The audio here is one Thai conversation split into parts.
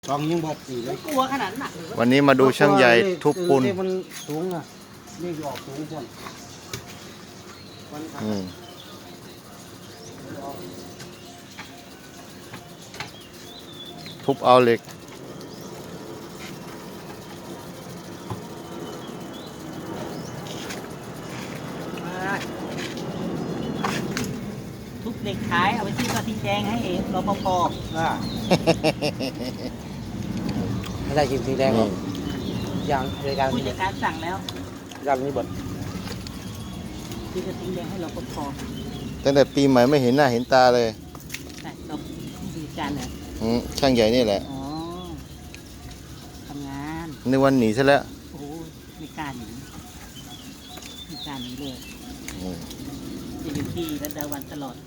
สองยิงบอกสี่เลยกลัวขนาดหนักวันนี้มาดูช่างใหญ่ทุบปูนมันสูงอ่ะนี่ออกสูงก่อนทุบเอาเหล็กทุบเหล็กขายเอาไปที่กระทิงแดงให้เองรปภไม่ได้กินสีแดงหรอกอย่างในการผู้จัดการสั่งแล้วอย่างนี้บดที่กระทิงแดงให้รปภตั้งแต่ปีใหม่ไม่เห็นหน้าเห็นตาเลยแต่เราผู้จัดการเนี่ยช่างใหญ่นี่แหละอ๋อทำงานในวันหนีซะแล้วโอ้โหไม่กล้าหนีไม่กล้าหนีเลยจะอยู่ที่รัตดาวันตลอด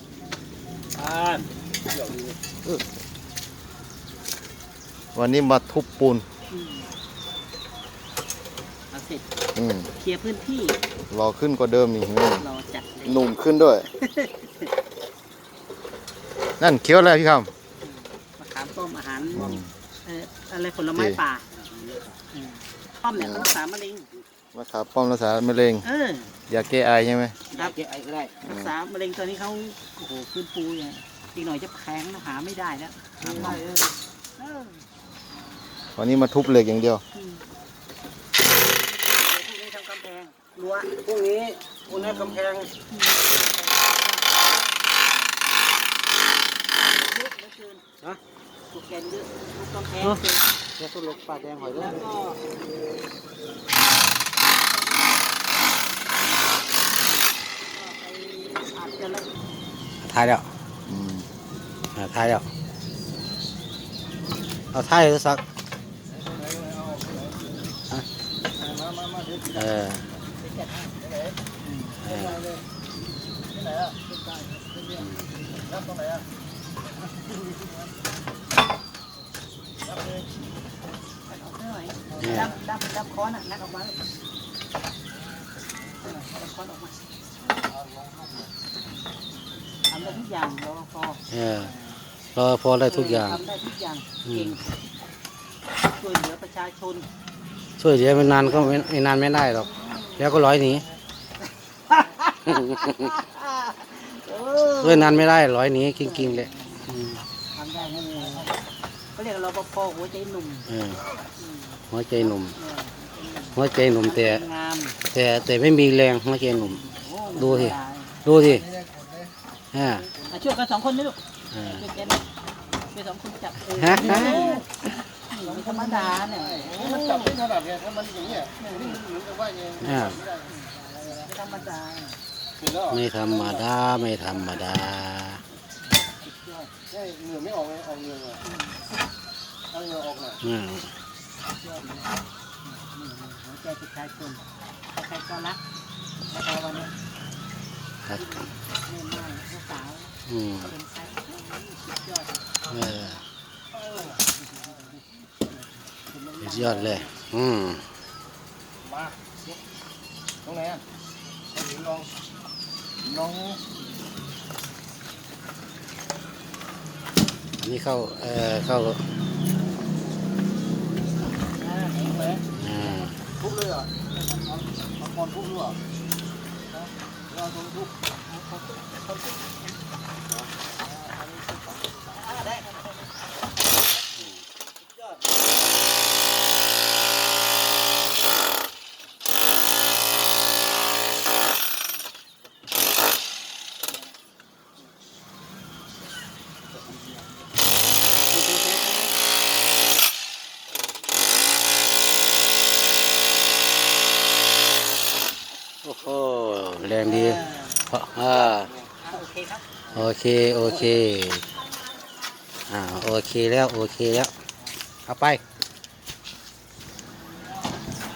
วันนี้มาทุบปูนเอาเสร็จ เคลียร์พื้นที่รอขึ้นกว่าเดิมนี่เห็นไหมรอจัดเลยหนุ่มขึ้นด้วย นั่นเคี้ยวอะไรพี่คมะขามต้มอาหารอะไรผลไม้ป่าป้อมเนี่ยเขารักษามะเร็งำมะขามป้อมรักษามะเร็งยาแก้ไอใช่ไหมครับรักษามะเร็งตอนนี้เขาโอ้โหฟื้นฟูอย่างอีกหน่อยจะแพงนะหาไม่ได้แล้วหาไม่ได้วันนี้มาทุบเหล็กอย่างเดียวพรุ่งนี้ทำกำแพงรั้วพรุ่งนี้คุณให้กำแพงเยอะเหลือเกินนะถูกแกนเยอะทุกกำแพงเสร็จจะต้นลกปลาแดงหอยด้วแล้ยวก็อาจจะละถ่ายแล้วถ่ายแล้วเอาถ่ายหรือสักดับค้อนอ่ะนักออกมาเลยดับค้อนออกมาทำได้ทุกอย่างรอพอรอพอได้ทุกอย่างทำได้ทุกอย่างเก่งช่วยเหลือประชาชนช่วยเหลือไม่นานก็ไม่นานไม่ได้หรอกแล้วก็ร้อยหนีช่วยนานไม่ได้ร้อยหนีกิ้งๆเลยทำได้แน่เขาเรียกรปภหัวใจหนุ่มหัวใจหนุ่มหัวใจหนุ่มงามแต่ไม่มีแรงหัวใจหนุ่มดูสิช่วยกัน2 คนนี่ลูกช่วยกันช่วย2 คนจับไม่ธรรมดาเนี่ยมันจับไม่ถนัดเนี่ยถ้ามันอย่างเงี้ยนี่มันเหมือนกับว่าไงไม่ธรรมดาไม่ธรรมดาไม่ธรรมดาเหงื่อไม่ออกเลยออกเหงื่อเอาเหงื่อออกหน่อยหัวใจประชาชนใครก็รักแล้ววันนี้แม่ม่านลูกสาวเป็นใครสุดยอดสุดยอดเลยมาตรงไหนอ่ะลองอันนี้เข้าทุบเลยอ่ะเอาคอนทุบด้วยเราต้องทุบโอ้โหแรงดีโอเคครับโอเคโอเคแล้วเอาไป